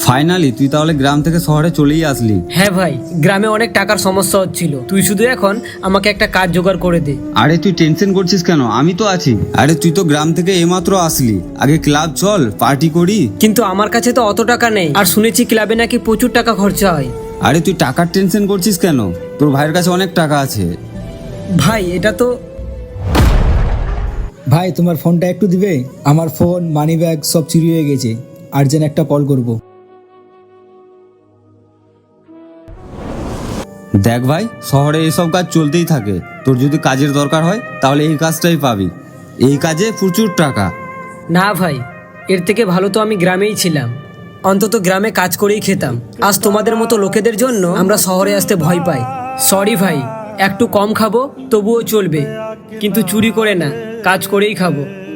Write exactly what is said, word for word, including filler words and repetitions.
Finally তুই তাহলে গ্রাম থেকে শহরে চলেই আসলি। হ্যাঁ ভাই, গ্রামে অনেক টাকার সমস্যা হচ্ছিল, তুই শুধু এখন আমাকে একটা কাজ জোগাড় করে দে। আরে তুই টেনশন করছিস কেন, আমি তো আছি। আরে তুই তো গ্রাম থেকে এইমাত্র আসলি, আগে ক্লাব চল, পার্টি করি। কিন্তু আমার কাছে তো অত টাকা নেই, আর শুনেছি ক্লাবে নাকি প্রচুর টাকা খরচা হয়। আরে তুই টাকার টেনশন করছিস কেন, তোর ভাইয়ের কাছে অনেক টাকা আছে। ভাই এটা তো ভাই তোমার ফোনটা একটু দিবে? আমার ফোন, মানি ব্যাগ সব চুরি হয়ে গেছে, আর্জেন্ট একটা কল করব। দেখ ভাই, শহরে এইসব কাজ চলতেই থাকে, তোর যদি কাজের দরকার হয় তাহলে এই কাজটাই পাবি, এই কাজে প্রচুর টাকা। না ভাই, এর থেকে ভালো তো আমি গ্রামেই ছিলাম, অন্তত গ্রামে কাজ করেই খেতাম। আজ তোমাদের মতো লোকেদের জন্য আমরা শহরে আসতে ভয় পাই। সরি ভাই, একটু কম খাবো তবুও চলবে, কিন্তু চুরি করে না, কাজ করেই খাবো।